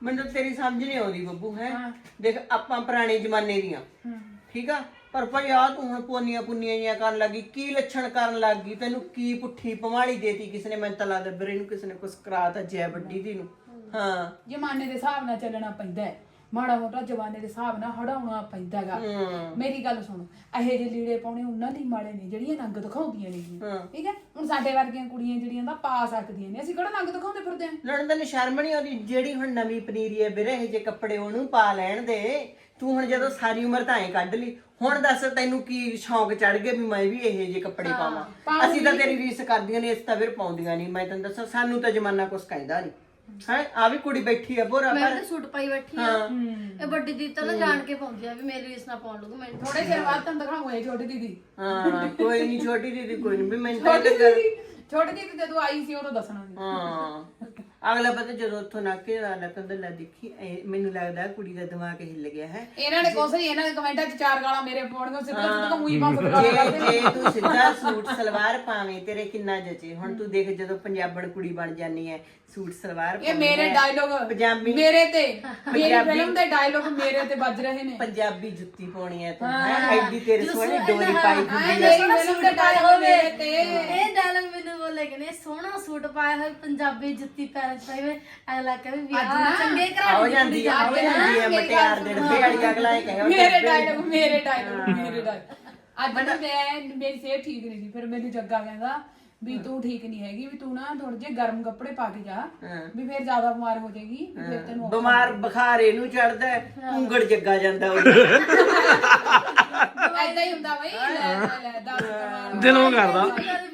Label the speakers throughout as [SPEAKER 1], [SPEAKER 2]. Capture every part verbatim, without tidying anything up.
[SPEAKER 1] ਮੈਨੂੰ ਤੇਰੀ ਸਮਝ ਨਹੀਂ ਆਉਂਦੀ ਬੱਬੂ ਹੈ ਦੇਖ ਆਪਾਂ ਪੁਰਾਣੇ ਜ਼ਮਾਨੇ ਦੀਆਂ ਠੀਕ ਆ ਪਰ ਭਾਈ ਆ ਤੂੰ ਹੁਣ ਪੋਨੀਆਂ ਪੁੰਨੀਆਂ ਜਿਹੀਆਂ ਕਰਨ ਲੱਗੀ ਕੀ ਲੱਛਣ ਕਰਨ ਲੱਗੀ ਤੈਨੂੰ ਕੀ ਪੁੱਠੀ ਪਵਾਲੀ ਦੇਤੀ ਕਿਸੇ ਨੇ ਮੈਨੂੰ ਤਾਂ ਲੱਗਦਾ ਵੀਰੇ ਨੂੰ ਕਿਸੇ ਨੇ ਕੁਛ ਕਰਾਤਾ ਜੈ ਵੱਡੀ ਦੀ ਨੂੰ ਹਾਂ
[SPEAKER 2] ਜ਼ਮਾਨੇ ਦੇ ਹਿਸਾਬ ਨਾਲ ਚੱਲਣਾ ਪੈਂਦਾ ਹੈ ਮਾੜਾ ਮੋਟਾ ਜ਼ਮਾਨੇ ਦੇ ਹਿਸਾਬ ਨਾਲ ਹੜਾਉਣਾ ਪੈਂਦਾ ਹੈਗਾ ਮੇਰੀ ਗੱਲ ਸੁਣ ਇਹੋ ਜਿਹੇ ਲੀੜੇ ਪਾਉਣੇ ਉਹਨਾਂ ਲਈ ਮਾੜੇ ਨੇ ਜਿਹੜੀਆਂ ਨੰਗ ਦਿਖਾਉਂਦੀਆਂ ਨੇ ਠੀਕ ਹੈ ਹੁਣ ਸਾਡੇ ਵਰਗੀਆਂ ਕੁੜੀਆਂ ਜਿਹੜੀਆਂ ਤਾਂ ਪਾ ਸਕਦੀਆਂ ਨੇ ਅਸੀਂ ਕਿਹੜਾ ਨੰਗ ਦਿਖਾਉਂਦੇ ਫਿਰਦੇ ਆਂ
[SPEAKER 1] ਲੜਨ ਤੈਨੂੰ ਸ਼ਰਮ ਨਹੀਂ ਆਉਂਦੀ ਜਿਹੜੀ ਹੁਣ ਨਵੀਂ ਪਨੀਰੀ ਹੈ ਵੀਰੇ ਇਹ ਜੇ ਕੱਪੜੇ ਉਹਨੂੰ ਪਾ ਲੈਣ ਦੇ ਤੂੰ ਹੁਣ ਜਦੋਂ ਸਾਰੀ ਉਮਰ ਤਾਂ ਐ ਕੱਢ ਲਈ ਹੁਣ ਦੱਸ ਤੈਨੂੰ ਕੀ ਸ਼ੌਂਕ ਚੜ ਗਿਆ ਵੀ ਮੈਂ ਵੀ ਇਹੋ ਜਿਹੇ ਕੱਪੜੇ ਪਾਵਾਂ ਅਸੀਂ ਤਾਂ ਤੇਰੀ ਰੀਸ ਕਰਦੀਆਂ ਨੇ ਇਸ ਤਾਂ ਫਿਰ ਪਾਉਂਦੀਆਂ ਨਹੀਂ ਮੈਂ ਤੈਨੂੰ ਦੱਸਾਂ ਸਾਨੂੰ ਤਾਂ ਜ਼ਮਾਨਾ ਕੁਛ ਕਹਿੰਦਾ ਨਹੀਂ ਹੈ ਆ ਵੀ ਕੁੜੀ ਬੈਠੀ ਆ ਬੋਰਾ
[SPEAKER 3] ਮੈਂ ਤਾਂ ਸੂਟ ਪਾਈ ਬੈਠੀ ਆ ਇਹ ਵੱਡੀ ਦੀਦੀ ਤਾਂ ਨਾ ਜਾਣ ਕੇ ਪਾਉਂਦੀ ਆ ਵੀ ਮੇਰੀ ਰੀਸ ਨਾ ਪਾਉਣ ਲੱਗੂ ਮੈਨੂੰ
[SPEAKER 2] ਥੋੜੇ ਚਿਰ ਬਾਅਦ ਤੁਹਾਨੂੰ ਦਿਖਾਉਂਗੇ ਛੋਟੀ ਦੀਦੀ
[SPEAKER 1] ਹਾਂ ਕੋਈ ਨਹੀਂ ਛੋਟੀ ਦੀਦੀ ਕੋਈ ਨਹੀਂ ਵੀ ਮੈਂ
[SPEAKER 2] ਛੋਟੀ ਦੀਦੀ ਛੋਟੀ ਦੀਦੀ ਜਦੋਂ ਆਈ ਸੀ ਉਦੋਂ ਦੱਸਣਾ ਸੀ
[SPEAKER 1] ਹਾਂ ਅਗਲਾ ਪਤਾ ਜਦੋਂ ਉੱਥੋਂ ਨਾਕੇ ਵਾਲਾ ਕਹਿੰਦਾ ਲੈ ਦੇਖੀ ਮੈਨੂੰ ਲੱਗਦਾ ਕੁੜੀ ਦਾ ਦਿਮਾਗ ਹਿੱਲ ਗਿਆ ਹੈ
[SPEAKER 2] ਇਹਨਾਂ ਨੇ ਕੁਛ ਨਹੀਂ ਇਹਨਾਂ ਦੇ ਕਮੈਂਟਾਂ 'ਚ ਚਾਰ ਗਾਲਾਂ ਮੇਰੇ ਪਾਉਣਗੇ ਸਿੱਧਾ ਸਿੱਧਾ ਮੂੰਹ ਹੀ ਬੰਦ
[SPEAKER 1] ਜੇ ਜੇ ਤੂੰ ਸਿੱਧਾ ਸੂਟ ਸਲਵਾਰ ਪਾਵੇਂ ਤੇਰੇ ਕਿੰਨਾ ਜਚੇ ਹੁਣ ਤੂੰ ਦੇਖ ਜਦੋਂ ਪੰਜਾਬਣ ਕੁੜੀ ਬਣ ਜਾਨੀ ਹੈ ਸੂਟ ਸਲਵਾਰ
[SPEAKER 2] ਇਹ ਮੇਰੇ ਡਾਇਲੋਗ
[SPEAKER 1] ਪੰਜਾਬੀ
[SPEAKER 2] ਮੇਰੇ ਤੇ ਮੇਰੀ ਫਿਲਮ ਦੇ ਡਾਇਲੋਗ ਮੇਰੇ ਤੇ ਵੱਜ ਰਹੇ ਨੇ
[SPEAKER 1] ਪੰਜਾਬੀ ਜੁੱਤੀ ਪਾਉਣੀ ਹੈ ਤੂੰ ਹੈ ਐਡੀ ਤੇਰੇ ਸੋਹਣੀ ਡੋਰੀ ਪਾਈ ਹੁੰਦੀ ਹੈ
[SPEAKER 2] ਮੇਰੀ ਫਿਲਮ ਦੇ ਡਾਇਲੋਗ ਮੇਰੇ ਤੇ
[SPEAKER 3] ਇਹ ਡਾਇਲੌਗ ਮੈਨੂੰ ਬੋਲੇ ਕਿ ਨੇ ਸੋਹਣਾ ਸੂਟ ਪਾਇਆ ਹੋਇਆ ਪੰਜਾਬੀ ਜੁੱਤੀ ਪੈਰਾਂ 'ਚ ਪਾਈ ਹੋਈ ਅਗਲਾ ਕਹੇ ਵਿਆਹ ਚੰਗੇ ਘਰ
[SPEAKER 1] ਹੋ ਜਾਂਦੀ ਆ ਹੋ ਜਾਂਦੀ ਹੈ ਮਟਿਆਰ ਦੇ ਡੱਬੇ ਵਾਲੀ ਅਗਲਾ ਇਹ ਕਹੇ
[SPEAKER 2] ਮੇਰੇ ਡਾਇਲੋਗ ਮੇਰੇ ਡਾਇਲੋਗ ਮੇਰੇ ਡਾਇਲੋਗ ਅੱਜ ਨਾ ਮੈਂ ਮੇਰੀ ਸਿਹਤ ਠੀਕ ਨਹੀਂ ਸੀ ਫਿਰ ਮੈਨੂੰ ਜੱਗਾ ਕਹਿੰਦਾ ਵੀ ਤੂੰ ਠੀਕ ਨਹੀਂ ਹੈਗੀ ਵੀ ਤੂੰ ਨਾ ਥੋੜੇ ਜਿਹੇ ਗਰਮ ਕੱਪੜੇ ਪਾ ਕੇ ਜਾ ਵੀ ਫਿਰ ਜ਼ਿਆਦਾ ਬਿਮਾਰ ਹੋ ਜਾਏਗੀ ਫਿਰ ਤੈਨੂੰ
[SPEAKER 1] ਬਿਮਾਰ ਬੁਖਾਰ ਇਹਨੂੰ ਚੜਦਾ ਉਂਗੜ ਜੱਗਾ ਜਾਂਦਾ ਉਹ
[SPEAKER 2] ਐਦਾਂ ਹੀ ਹੁੰਦਾ ਬਈ ਲੈ ਲੈ ਦੱਸ
[SPEAKER 4] ਦਿਲੋਂ ਕਰਦਾ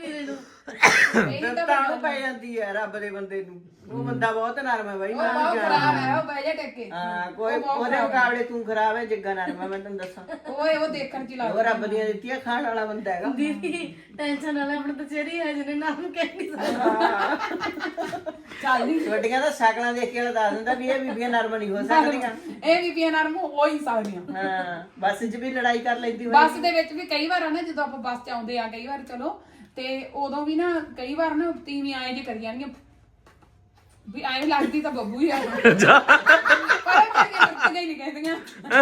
[SPEAKER 1] ਤਾਂ ਉਹ ਪੈ ਜਾਂਦੀ ਹੈ ਰੱਬ ਦੇ ਬੰਦੇ ਨੂੰ ਉਹ ਬੰਦਾ ਬਹੁਤ ਨਰਮ ਹੈ ਬਾਈ ਮੈਂ
[SPEAKER 2] ਬਹੁਤ ਖਰਾਬ ਹੈ ਉਹ ਬਹਿ ਜਾ ਟੱਕੇ
[SPEAKER 1] ਹਾਂ ਕੋਈ ਉਹਦੇ ਮੁਕਾਬਲੇ ਤੂੰ ਖਰਾਬ ਹੈ ਜੱਗਾ ਨਰਮ ਹੈ ਮੈਂ ਤੈਨੂੰ ਦੱਸਾਂ
[SPEAKER 2] ਓਏ ਉਹ ਦੇਖਣ ਚ
[SPEAKER 1] ਉਹ ਰੱਬ ਦੀਆਂ ਦਿੱਤੀਆਂ ਖਾਣ ਵਾਲਾ ਬੰਦਾ ਹੈਗਾ
[SPEAKER 3] ਦੀਦੀ ਟੈਨਸ਼ਨ ਵਾਲਾ ਆਪਣਾ ਤਾਂ ਚਿਹਰਾ ਹੈ ਜਿਹਨੇ ਨਾਮ ਕਹਿ ਨਹੀਂ ਸਕਦਾ
[SPEAKER 2] ਚੱਲ ਨਹੀਂ
[SPEAKER 1] ਛੋਟੀਆਂ ਤਾਂ ਸ਼ਕਲਾਂ ਦੇਖ ਕੇ ਦੱਸ ਦਿੰਦਾ ਵੀ ਇਹ ਬੀਬੀਆਂ ਨਰਮ ਨਹੀਂ ਹੋ ਸਕਦੀਆਂ
[SPEAKER 2] ਇਹ ਬੀਬੀਆਂ ਨਰਮ ਹੋ ਹੀ ਸਕਦੀਆਂ
[SPEAKER 1] ਹਾਂ ਬੱਸ 'ਚ ਵੀ ਲੜਾਈ ਕਰ ਲੈਂਦੀ ਹੋਈ
[SPEAKER 2] ਬੱਸ ਦੇ ਵਿੱਚ ਵੀ ਕਈ ਵਾਰ ਆ ਨਾ ਜਦੋਂ ਆਪਾਂ ਬੱਸ 'ਚ ਆਉਂਦੇ ਆ ਕਈ ਵਾਰ ਚਲੋ ਤੇ ਉਦੋਂ ਵੀ ਨਾ ਕਈ ਵਾਰ ਨਾ ਤੀਵੀਂ ਆਏ ਜੇ ਕਰੀ ਜਾਣਗੀਆਂ ਵੀ ਐਂ ਲੱਗਦੀ ਤਾਂ ਬੱਬੂ ਹੀ ਆ ਪਰ ਇਹ ਨਹੀਂ ਕਹਿੰਦੀਆਂ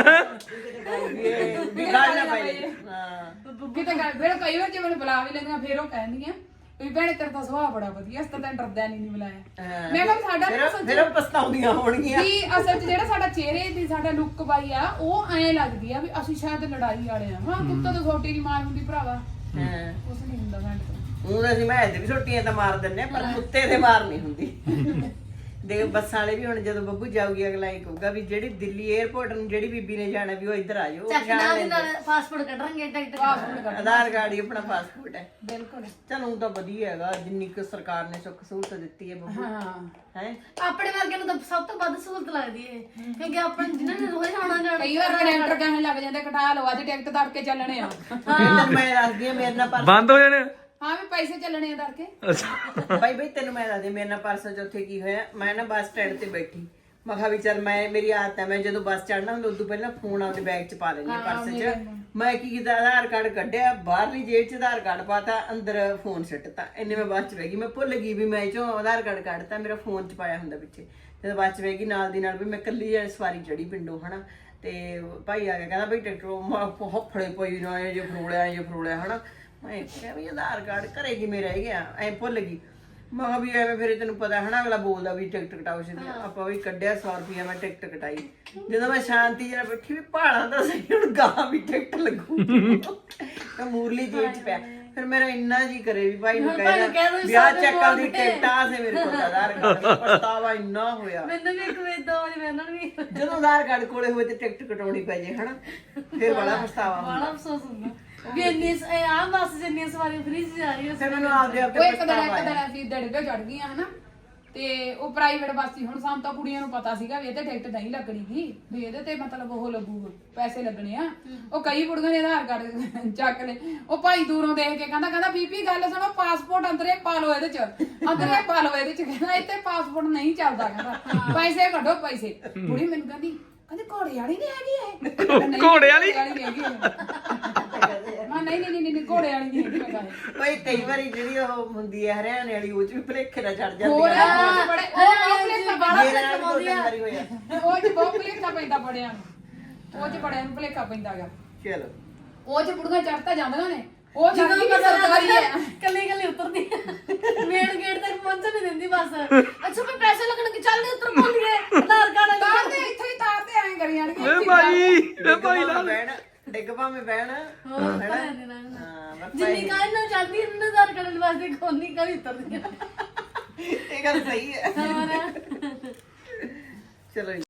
[SPEAKER 1] ਵੀ ਗੱਲ ਨਾ ਪਈ ਹਾਂ
[SPEAKER 2] ਕਿਤੇ ਗੱਲ ਫਿਰ ਕਈ ਵਾਰ ਜੇ ਮੈਨੂੰ ਬੁਲਾ ਵੀ ਲੈਂਦੀਆਂ ਫਿਰ ਉਹ ਕਹਿੰਦੀਆਂ ਵੀ ਭੈਣੇ ਤੇਰਾ ਤਾਂ ਸੁਭਾਅ ਬੜਾ ਵਧੀਆ ਅਸੀਂ ਤਾਂ ਤੈਨੂੰ ਡਰਦਾ ਨਹੀਂ ਨਹੀਂ ਬੁਲਾਇਆ ਮੈਂ ਕਿਹਾ ਸਾਡਾ
[SPEAKER 1] ਫਿਰ ਫਿਰ ਉਹ ਪਛਤਾਉਂਦੀਆਂ ਹੋਣਗੀਆਂ
[SPEAKER 2] ਵੀ ਅਸਲ 'ਚ ਜਿਹੜਾ ਸਾਡਾ ਚਿਹਰੇ ਦੀ ਸਾਡਾ ਲੁੱਕ ਬਾਈ ਆ ਉਹ ਐਂ ਲੱਗਦੀ ਆ ਵੀ ਅਸੀਂ ਸ਼ਾਇਦ ਲੜਾਈ ਵਾਲੇ ਆ ਹਾਂ ਕੁੱਤਾ ਤਾਂ ਛੋਟੀ ਦੀ ਮਾਰ ਹੁੰਦੀ ਭਰਾਵਾ
[SPEAKER 1] ਹਾਂ
[SPEAKER 2] ਕੁਛ ਨਹੀਂ ਹੁੰਦਾ ਸਾਡੇ ਤੋਂ
[SPEAKER 1] ਉਹ ਅਸੀਂ ਮੈਂ ਤੇ ਵੀ ਛੋਟੀਆਂ ਤਾਂ ਮਾਰ ਦਿੰਨੇ ਪਰ ਕੁੱਤੇ ਤੇ ਮਾਰ ਨਹੀਂ ਹੁੰਦੀ ਦੇਖ ਬੱਸਾਂ ਵਾਲੇ ਵੀ ਹੁਣ ਜਦੋਂ ਬੱਬੂ ਜਾਊਗੀ ਅਗਲਾ ਇਹ ਕਹੂਗਾ ਵੀ ਜਿਹੜੀ ਦਿੱਲੀ 에ਅਰਪੋਰਟ ਨੂੰ ਜਿਹੜੀ ਬੀਬੀ ਨੇ ਜਾਣਾ ਵੀ ਉਹ ਇੱਧਰ ਆ ਜਾਓ
[SPEAKER 3] ਚੱਕ ਨਾਲ ਨਾਲ ਪਾਸਪੋਰਟ ਕੱਢਾਂਗੇ ਟਿਕਟ
[SPEAKER 2] ਪਾਸਪੋਰਟ ਕਰ
[SPEAKER 1] ਆਧਾਰ ਕਾਰਡ ਹੀ ਆਪਣਾ ਪਾਸਪੋਰਟ ਹੈ
[SPEAKER 2] ਬਿਲਕੁਲ
[SPEAKER 1] ਚਲੋ ਤਾਂ ਵਧੀਆ ਹੈਗਾ ਜਿੰਨੀ ਕੁ ਸਰਕਾਰ ਨੇ ਸੁੱਖ ਸਹੂਲਤ ਦਿੱਤੀ ਹੈ ਬੱਬੂ
[SPEAKER 2] ਹਾਂ
[SPEAKER 1] ਹੈ
[SPEAKER 3] ਆਪਣੇ ਵਰਗੇ ਨੂੰ ਤਾਂ ਸਭ ਤੋਂ ਵੱਧ ਸਹੂਲਤ ਲੱਗਦੀ ਹੈ ਕਿਉਂਕਿ ਆਪਾਂ ਜਿਨ੍ਹਾਂ ਨੇ ਰੋਜ਼ ਆਉਣਾ ਜਾਣਾ
[SPEAKER 2] ਕਈ ਵਾਰ ਕਨੈਕਟਰ ਕਹਿਣ ਲੱਗ ਜਾਂਦੇ ਕਟਾ ਲਓ ਅੱਜ ਟਿਕਟ ਤੜ ਕੇ ਚੱਲਣੇ ਆ
[SPEAKER 1] ਤੈਨੂੰ ਮੈਂ ਦੱਸਦੀ ਆ ਮੇਰੇ ਨਾਲ ਪਰਸ
[SPEAKER 4] ਬੰਦ ਹੋ ਜਾਣੇ
[SPEAKER 2] ਹਾਂ ਵੀ ਪੈਸੇ ਚੱਲਣੇ ਆ ਤੜ ਕੇ
[SPEAKER 4] ਅੱਛਾ
[SPEAKER 1] ਬਾਈ ਬਾਈ ਤੈਨੂੰ ਮੈਂ ਦੱਸਦੀ ਮੇਰੇ ਨਾਲ ਪਰਸੋਂ ਚ ਉੱਥੇ ਕੀ ਹੋਇਆ ਮੈਂ ਨਾ ਬੱਸ ਸਟੈਂਡ ਤੇ ਬੈਠੀ ਮੈਂ ਕਿਹਾ ਵੀ ਚੱਲ ਮੈਂ ਮੇਰੀ ਆਦਤ ਹੈ ਮੈਂ ਜਦੋਂ ਬੱਸ ਚੜਨਾ ਹੁੰਦਾ ਉਦੋਂ ਪਹਿਲਾਂ ਫੋਨ ਆਪਦੇ ਬੈਗ ਚ ਪਾ ਲੈਂਦੀ ਪਰਸ ਚ ਮੈਂ ਕੀ ਕੀਤਾ ਆਧਾਰ ਕਾਰਡ ਕੱਢਿਆ ਬਾਹਰਲੀ ਜੇਬ ਚ ਆਧਾਰ ਕਾਰਡ ਪਾਤਾ ਅੰਦਰ ਫੋਨ ਸਿੱਟਤਾ ਇੰਨੇ ਮੈਂ ਬੱਸ ਚ ਬਹਿ ਗਈ ਮੈਂ ਭੁੱਲ ਗਈ ਵੀ ਮੈਂ ਚੋਂ ਆਧਾਰ ਕਾਰਡ ਕੱਢਤਾ ਮੇਰਾ ਫੋਨ ਚ ਪਾਇਆ ਹੁੰਦਾ ਪਿੱਛੇ ਜਦੋਂ ਬੱਸ ਚ ਬਹਿ ਗਈ ਨਾਲ ਦੀ ਨਾਲ ਵੀ ਮੈਂ ਇਕੱਲੀ ਜਿਹੜੀ ਸਵਾਰੀ ਚੜੀ ਪਿੰਡੋਂ ਹਨਾ ਤੇ ਭਾਈ ਆ ਗਿਆ ਕਹਿੰਦਾ ਬਈ ਟਿਕਟ ਹਫੜੇ ਪਈ ਨਾ ਇਹ ਜੇ ਫਰੋਲਿਆ ਇਹ ਫਰੋਲਿਆ ਹਨਾ ਮੈਂ ਕਿਹਾ ਵੀ ਆਧਾਰ ਕਾਰਡ ਘਰੇ ਕਿਵੇਂ ਰਹਿ ਗਿਆ ਐ ਭੁੱਲ ਗਈ ਮੈਂ ਕਿਹਾ ਵੀ ਐਵੇਂ ਫਿਰ ਤੈਨੂੰ ਪਤਾ ਹਨਾ ਅਗਲਾ ਬੋਲਦਾ ਵੀ ਟਿਕਟ ਕਟਾਓ ਸੀ ਆਪਾਂ ਵੀ ਕੱਢਿਆ ਸੌ ਰੁਪਇਆ ਮੈਂ ਟਿਕਟ ਕਟਾਈ ਜਦੋਂ ਮੈਂ ਸ਼ਾਂਤੀ ਜਰਾ ਬੈਠੀ ਵੀ ਭਾਲਾਂ ਦਾ ਸਹੀ ਹੁਣ ਗਾਂ ਵੀ ਟਿਕਟ ਲੱਗੂ ਤਾਂ ਮੂਰਲੀ ਜੇਬ ਚ ਪਿਆ ਫਿਰ ਮੇਰਾ ਇੰਨਾ ਜੀ ਕਰੇ ਵੀ ਭਾਈ ਨੂੰ ਕਹਿਣਾ ਵਿਆਹ ਚੱਕਰ ਦੀ ਟਿਕਟ ਆ ਸੇ ਮੇਰੇ ਕੋਲ ਆਧਾਰ ਕਾਰਡ ਪਛਤਾਵਾ ਇੰਨਾ ਹੋਇਆ
[SPEAKER 3] ਮੈਨੂੰ ਵੀ ਇੱਕ ਵੇਦ ਦੋ ਵਜੇ ਮੈਨੂੰ ਵੀ
[SPEAKER 1] ਜਦੋਂ ਆਧਾਰ ਕਾਰਡ ਕੋਲੇ ਹੋਏ ਤੇ ਟਿਕਟ ਕਟਾਉਣੀ ਪੈ ਜੇ ਹਨਾ ਫਿਰ ਬੜਾ ਪਛਤਾਵਾ ਹੁੰਦਾ
[SPEAKER 3] ਬੜਾ ਅਫਸੋਸ ਹੁੰਦਾ ਵੀ ਇੰਨੀ ਆ ਬੱਸ ਜਿੰਨੀ ਸਵਾਰੀ ਫ੍ਰੀ ਜਾ ਰਹੀ
[SPEAKER 1] ਫਿਰ ਮੈਨੂੰ ਆਪਦੇ ਆਪ
[SPEAKER 2] ਉਹ
[SPEAKER 1] ਤੇ
[SPEAKER 2] ਇੱਕ ਦਿਨ
[SPEAKER 1] ਪਛਤਾਵਾ
[SPEAKER 2] ਇੱਕ ਦਿਨ ਅਸੀਂ ਡੜਗੇ ਚੜ ਗਈਆਂ ਹਨਾ ਤੇ ਉਹ ਪ੍ਰਾਈਵੇਟ ਬੱਸ ਸੀ ਹੁਣ ਸਾਨੂੰ ਤਾਂ ਕੁੜੀਆਂ ਨੂੰ ਪਤਾ ਸੀਗਾ ਵੀ ਇਹ ਤੇ ਟਿਕਟ ਨਹੀਂ ਲੱਗਣੀ ਸੀ ਵੀ ਇਹਦੇ ਤੇ ਮਤਲਬ ਉਹ ਲੱਗੂਗਾ ਪੈਸੇ ਲੱਗਣੇ ਆ ਉਹ ਕਈ ਕੁੜੀਆਂ ਨੇ ਆਧਾਰ ਕਾਰਡ ਚੱਕ ਲੈ ਉਹ ਭਾਈ ਦੂਰੋਂ ਦੇਖ ਕੇ ਕਹਿੰਦਾ ਕਹਿੰਦਾ ਬੀਬੀ ਗੱਲ ਸੁਣੋ ਪਾਸਪੋਰਟ ਅੰਦਰੇ ਪਾ ਲਓ ਇਹਦੇ ਚ ਅੰਦਰੇ ਪਾ ਲਓ ਇਹਦੇ ਚ ਕਹਿੰਦਾ ਇੱਥੇ ਪਾਸਪੋਰਟ ਨਹੀਂ ਚੱਲਦਾ ਕਹਿੰਦਾ ਪੈਸੇ ਕੱਢੋ ਪੈਸੇ ਕੁੜੀ ਮੈਨੂੰ ਕਹਿੰਦੀ ਕਹਿੰਦੇ ਘੋੜੇ ਵਾਲੀ ਨਹੀਂ ਹੈਗੀ ਇਹ
[SPEAKER 4] ਘੋੜੇ ਵਾਲੀ
[SPEAKER 2] ਨਹੀਂ ਹੈਗੀ ਮੈਂ ਨਹੀਂ ਨਹੀਂ ਨਹੀਂ ਨਹੀਂ ਘੋੜੇ ਵਾਲੀ ਨਹੀਂ ਹੈਗੀ ਮੈਂ ਕਹਾਂ
[SPEAKER 1] ਓਏ ਕਈ ਵਾਰੀ ਜਿਹੜੀ ਉਹ ਹੁੰਦੀ ਹੈ ਹਰਿਆਣੇ ਵਾਲੀ ਉਹ ਚ ਵੀ ਭਲੇਖੇ ਨਾਲ ਚੜ ਜਾਂਦੀ
[SPEAKER 2] ਹੋਰ
[SPEAKER 1] ਹੈ
[SPEAKER 2] ਉਹ 'ਚ ਬੜੇ ਉਹ ਬਹੁਤ ਭੁਲੇਖਾ
[SPEAKER 3] ਬਾਹਲਾ
[SPEAKER 1] ਮੇਰੇ ਨਾਲ ਵੀ ਦੋ
[SPEAKER 3] ਕਮਾਉਂਦੀ
[SPEAKER 1] ਤਿੰਨ
[SPEAKER 3] ਆ।
[SPEAKER 1] ਵਾਰੀ ਹੋਇਆ
[SPEAKER 2] ਉਹ 'ਚ ਬਹੁਤ ਭੁਲੇਖਾ ਪੈਂਦਾ ਬੜਿਆਂ ਨੂੰ ਉਹ 'ਚ ਬੜਿਆਂ ਨੂੰ ਭੁਲੇਖਾ ਪੈਂਦਾ ਗਾ
[SPEAKER 1] ਚਲੋ
[SPEAKER 2] ਉਹ 'ਚ ਬੁੜੀਆਂ ਚੜ੍ਹਤਾ ਜਾਂਦੀਆਂ ਨੇ ਉਹ
[SPEAKER 3] ਜਦੋਂ
[SPEAKER 2] ਜਾਂਦੀ
[SPEAKER 3] ਪਤਾ
[SPEAKER 2] ਸਰਕਾਰੀ
[SPEAKER 3] ਲੱਗਦਾ
[SPEAKER 2] ਹੈ
[SPEAKER 3] ਕੱਲੀ ਕੱਲੀ ਉਤਰਦੀ ਮੇਨ ਗੇਟ ਤੱਕ ਪਹੁੰਚਣ ਨਹੀਂ ਦਿੰਦੀ ਬਸ ਅੱਛਾ ਮੈਂ ਪੈਸੇ ਲੱਗਣਗੇ ਚੱਲ ਨਹੀਂ ਉਤਰ ਪਾਉਂਦੀਏ ਆਧਾਰ ਕਾਰਡ
[SPEAKER 2] ਤਾਰ ਦੇ ਇੱਥੇ ਹੀ ਤਾਰ ਦੇ ਐਂ ਕਰੀ ਜਾਣਗੇ
[SPEAKER 4] ਏ ਭਾਈ ਏ ਭਾਈ
[SPEAKER 1] ਭਾਵੇਂ
[SPEAKER 4] ਨਾਲ
[SPEAKER 1] ਬਹਿਣ ਡਿੱਗ ਭਾਵੇਂ ਬਹਿਣ
[SPEAKER 3] ਹੋਰ
[SPEAKER 1] ਹੈਨਾ?
[SPEAKER 3] ਭੈਣ ਦੇ ਨਾਲ।
[SPEAKER 1] ਹਾਂ ਬਸ
[SPEAKER 3] ਜਿੰਨੀ ਕਾਹ ਨਾਲ ਚੱਲਦੀ ਇਹਨਾਂ ਆਧਾਰ ਕਾਰਡ ਵਾਸਤੇ ਕੋਨੀ ਕਾ ਵੀ ਉਤਰਦੀ
[SPEAKER 1] ਇਹ ਗੱਲ ਸਹੀ ਹੈ
[SPEAKER 3] ਹੋਰ
[SPEAKER 1] ਚਲੋ ਜੀ।